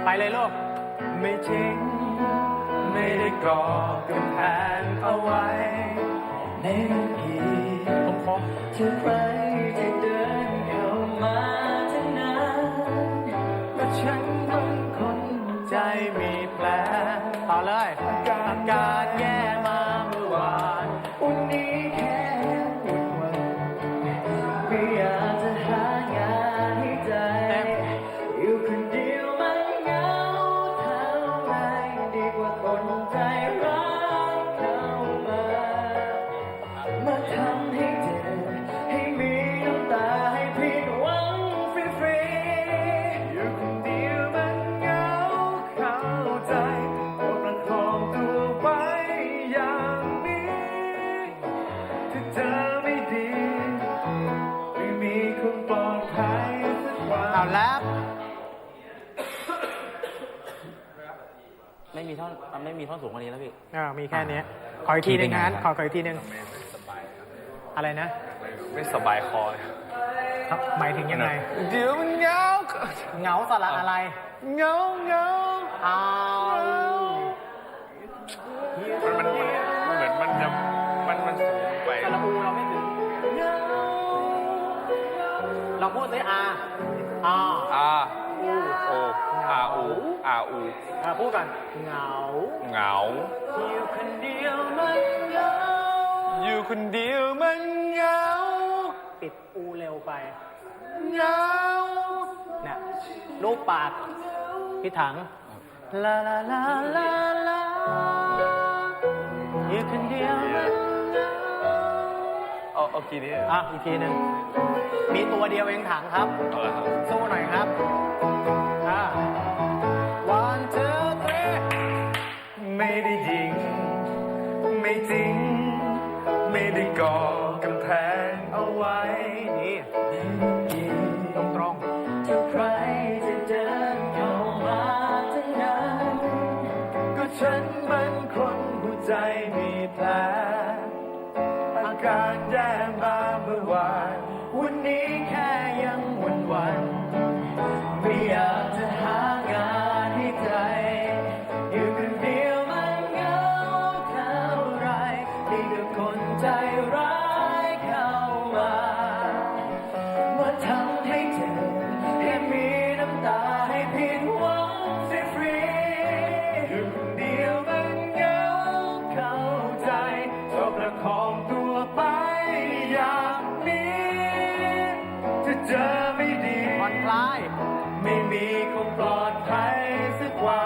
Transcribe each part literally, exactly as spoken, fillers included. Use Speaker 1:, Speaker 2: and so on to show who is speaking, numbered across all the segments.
Speaker 1: ไปเลยลูก
Speaker 2: ไม่จริงไม่ได้ก่อกำแพงเอาไว้ในนาที
Speaker 1: ผมครบ
Speaker 2: จะไปจะเดินเข้ามาทั้งนั้นว่าฉันบางคนใจมีแผล
Speaker 1: ต่อเลย
Speaker 2: อาการแย่มาเมื่อวานวันนี้แค่วุ่นวันไม่อยากจะหางานให้ใจอยู่คนเดียวมันเหงาเท่าไรดีกว่าคนใจร้ายเข้ามามาทำให้เจ็บให้มีน้ำตาให้ผิดหวังฟรีๆอยู่คนเดียวมันเหงาเข้าใจก็ประคองตัวไว้อย่างนี้ถ้าเธอไม่ดีไม่มีคนปลอดภัยสักวัน
Speaker 1: เอาแล้ว
Speaker 3: ไม่มีท่อนมันไม่มีท่อนสูงกว่านี้แล้วพี่
Speaker 1: เออมีแค่นี้ขออีกทีหนึงนะขอขออีกทีหนึงอะไรนะ
Speaker 2: ไม่สบายคอเลย
Speaker 1: ครับหมายถึงยังไง
Speaker 2: เดี๋ยวมันเหงา
Speaker 1: เหงาสระอะไร
Speaker 2: เหงาเหงา
Speaker 1: เอา
Speaker 2: มันมันเหมือนมันจะมันมันสูงไป
Speaker 1: สระอูเราไม่ถึงเราพูดสิอาอา
Speaker 2: อาโออาอูอาอู
Speaker 1: อ่าพูดกันเหงา
Speaker 2: เหงา
Speaker 1: อยู่คนเดียวมันเหงา
Speaker 2: อยู่คนเดียวมันเหงา
Speaker 1: ปิดอูเร็วไป
Speaker 2: เหงา
Speaker 1: เนี่ยลูกปากพี่ถังลาลาลาลาลาอยู่คนเดียวมันเหงา
Speaker 2: เอาเอากี่นี้
Speaker 1: อ่ะอีกทีหนึ่งมีตัวเดียวเองถังครับ
Speaker 2: เอาละครับ
Speaker 1: สู้หน่อยครับอ่า one two three
Speaker 2: ไม่ได้ยิง ไม่จริง ไม่ได้ก่อกำแพงเอาไว้
Speaker 1: นี่ตรงตรง
Speaker 2: ถ้าใครจะเดินเข้ามาทั้งนั้นก็ฉันมันคนหัวใจมีแผลอาการแย่มาเมื่อวานวันนี้แค่ยังวันวันๆไม่อยากจะหางานให้ใจอยู่คนเดียวมันเหงาเท่าไรดีกว่าคนใจร้ายเข้ามามาทำให้เจ็บให้มีน้ำตาให้ผิดหวังฟรีๆอยู่คนเดียวมันเหงาเข้าใจก็ประคองตัวไปอย่างนี้ถ้าเจอไม่ดี
Speaker 1: ผ่อนคลาย
Speaker 2: ไม่มีคงปลอดภัยสักวัน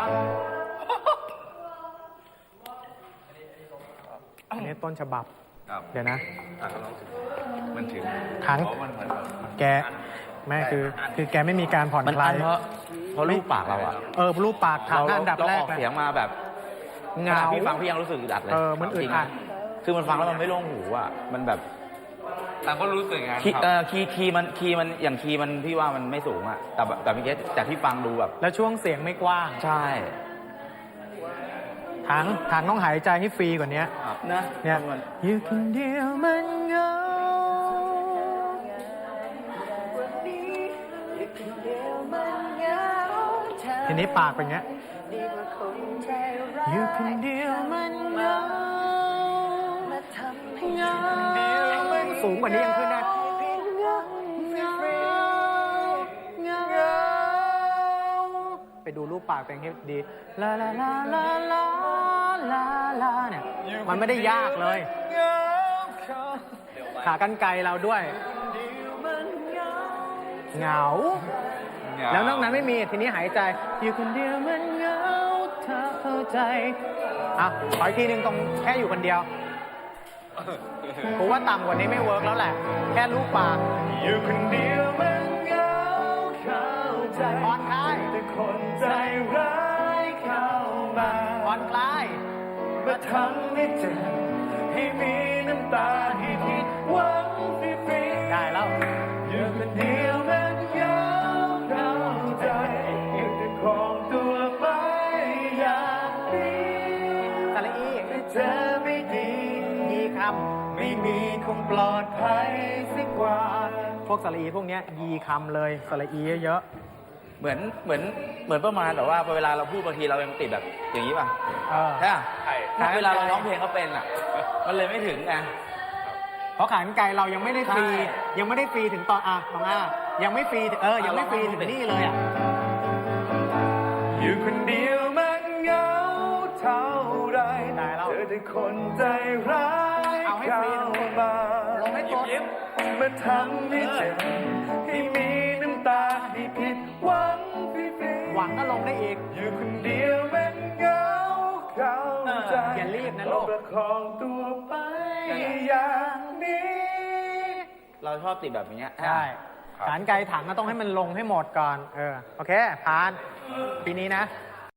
Speaker 1: อันนี้ต้นฉบับ
Speaker 4: ครับ
Speaker 1: เดี๋ยวนะ
Speaker 4: อ่ะก็ลองถึงมันถึง
Speaker 1: ถัง
Speaker 4: เพราะมันมันแบบมัน
Speaker 1: แกแม่คือ คือแกไม่มีการผ่อน
Speaker 3: มัน
Speaker 1: คลา
Speaker 3: อั
Speaker 1: ย
Speaker 3: นเพราะเพราะลูกปากเราอะ
Speaker 1: เออรูปปากถัง
Speaker 3: เรา
Speaker 1: อันดับ
Speaker 3: เรา
Speaker 1: แร
Speaker 3: อก อก
Speaker 1: นะ
Speaker 3: เสียงมาแบบ
Speaker 1: เห
Speaker 3: ข
Speaker 1: งา
Speaker 3: นาดพี่ฟังพี่ยังรู้สึกอึดอัดเลย
Speaker 1: เออมันอึดอัด
Speaker 3: จริงๆนะคือมันฟังแล้วมันไม่โล่งหูอะมันแบบ
Speaker 4: ต่างก็รู้สึกไงาน
Speaker 3: คีย์
Speaker 4: ครับ
Speaker 3: เออคีย์คีย์มันคีย์มันอย่างคีย์มันพี่ว่ามันไม่สูงอะแต่แบบแต่เมื่อกี้แต่พี่ฟังดูแบบ
Speaker 1: แล้วช่วงเสียงไม่กว้าง
Speaker 3: ใช่
Speaker 1: ถังถังต้องหายใจให้ฟรีกว่านี้
Speaker 3: นะ
Speaker 1: เนี่ย
Speaker 3: มัน
Speaker 1: อยู่คนเดียวมันเหงาทีนี้ปากเป็นอย่างเงี้ยอยู่คนเดียวมันเหงาเหงาสูงกว่านี้ยังขึ้นได้เหงาเหงาไปดูรูปปากเป็นให้ดีลาลาลาลาลาลาลาเนี่ยมันไม่ได้ยากเลย ขากรรไกรเราด้วยเหงา แล้วนอกนั้นไม่มีทีนี้หายใจอยู่คนเดียวมันเหงาเธอเข้าใจอ่ะขออีกทีหนึ่งตรงแค่อยู่คนเดียวผมว่าต่ำกว่านี้ไม่เวิร์กแล้วแหละ แค่ลูกปาก
Speaker 2: อยู่คนเดียวมันเหงาเข้าใจ
Speaker 1: ผ่อนคลาย
Speaker 2: แต่คนใจร้ายเข้ามา
Speaker 1: ผ่อนคลาย
Speaker 2: มาทำให้เจ็บให้มีน้ำตาให้ผิดหวังฟรีๆ
Speaker 1: ได้แล้ว
Speaker 2: อยู่คนเดียวมันเหงาเข้าใจอยากจะครองตัวไปอย่างนี้
Speaker 1: สระอี
Speaker 2: แต่เธอไม่ดี
Speaker 1: ยีค
Speaker 2: ไม่มีคงปลอดภัยสักวัน
Speaker 1: ำพวกสระอีพวกเนี้ยยีคำเลยสระอีเยอะ
Speaker 3: เหมือนเหมือนเหมือนประมาณแบบว่าเวลาเราพูดบางทีเรายังติดแบบอย่างนี้ป่ะ
Speaker 1: เออ
Speaker 3: ใช่ป่ะ
Speaker 4: ใช่
Speaker 1: ใช่
Speaker 3: เวลาเราร้องเพลงก็เป็นอ่ะ มันเลยไม่ถึงไง
Speaker 1: เพราะขานไกลเรายังไม่ได้ฟรี
Speaker 3: ใช่
Speaker 1: ยังไม่ได้ฟรีถึงตอนอ่ะของอ่ะยังไม่ฟรีเออยังไม่ฟรีถึงนี่เลยอ่ะ
Speaker 2: อยู่คนเดียวมันเหงาเท่าไร
Speaker 1: ได้แล้ว
Speaker 2: เจอแต่คนใจร้าย
Speaker 1: เอาให้
Speaker 2: เข้า
Speaker 1: ฟรีทั้งหมด
Speaker 2: มา
Speaker 1: ลงให้ตัว
Speaker 4: ยิ้ม
Speaker 2: มาทำให้เจ็บให้มีน้ำตาให้ผิดหวังฟรีๆ
Speaker 1: หวังก็ลงได้อีก
Speaker 2: อยู่คนเดียวมันเหงาเข้าใจ
Speaker 1: อย่ารีบนะลูก
Speaker 2: ประคองตัวไปอย่างนี้
Speaker 3: เราชอบติดแบบนี้
Speaker 1: ใช่ขานไกลถังก็ต้องให้มันลงให้หมดก่อน เออ โอเค ผ่าน ปีนี้นะ